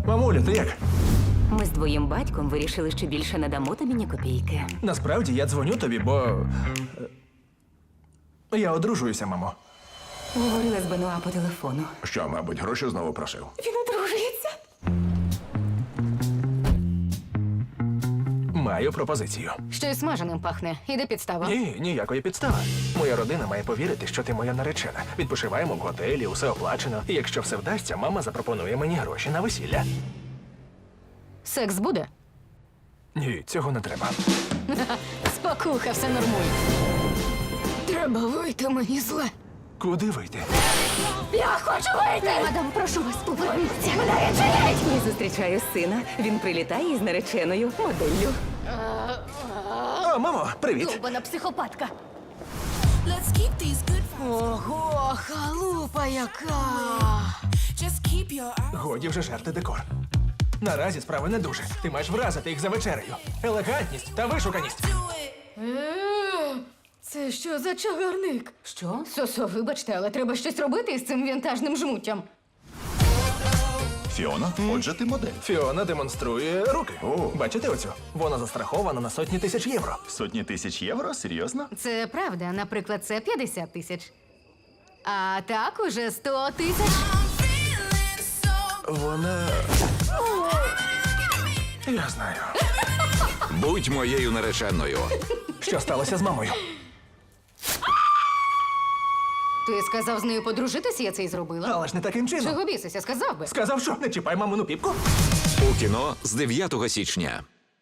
Мамулю, ти як? Ми з твоїм батьком вирішили, що більше не дамо тобі ні копійки. Насправді я дзвоню тобі, бо. Я одружуюся, мамо. Говорила з Бенуа по телефону. Що, мабуть, гроші знову просив? Він одружується. Маю пропозицію. Щось смаженим пахне. Іде підстава. Ні, ніякої підстави. Моя родина має повірити, що ти моя наречена. Відпочиваємо в готелі, усе оплачено. І якщо все вдасться, мама запропонує мені гроші на весілля. Секс буде? Ні, цього не треба. Спокуха, все нормуй. Треба вийти, мені зле. Куди вийти? Я хочу вийти! Мадам, прошу вас, поверніться. Я зустрічаю сина. Він прилітає із нареченою моделлю. О, мамо, привіт! Довбана психопатка. Let's keep these good vibes. Ого, халупа яка! Just keep your eyes. Годі вже жерти декор. Наразі справи не дуже. Ти маєш вразити їх за вечерею. Елегантність та вишуканість. Do it. Це що за чагарник? Що? Сосо, вибачте, але треба щось робити із цим вінтажним жмуттям. Фіона, отже, ти модель. Фіона демонструє руки. О. Бачите оцю? Вона застрахована на сотні тисяч євро. Сотні тисяч євро? Серйозно? Це правда, наприклад, це 50 тисяч. А так уже 100 тисяч. I'm feeling so Вона. Я знаю. Будь моєю нареченою. Що сталося з мамою? Ти сказав з нею подружитися, я це й зробила. Але ж не таким чином. Чого бісися, сказав би. Сказав, що не чіпай мамину піпку. У кіно з 9 січня.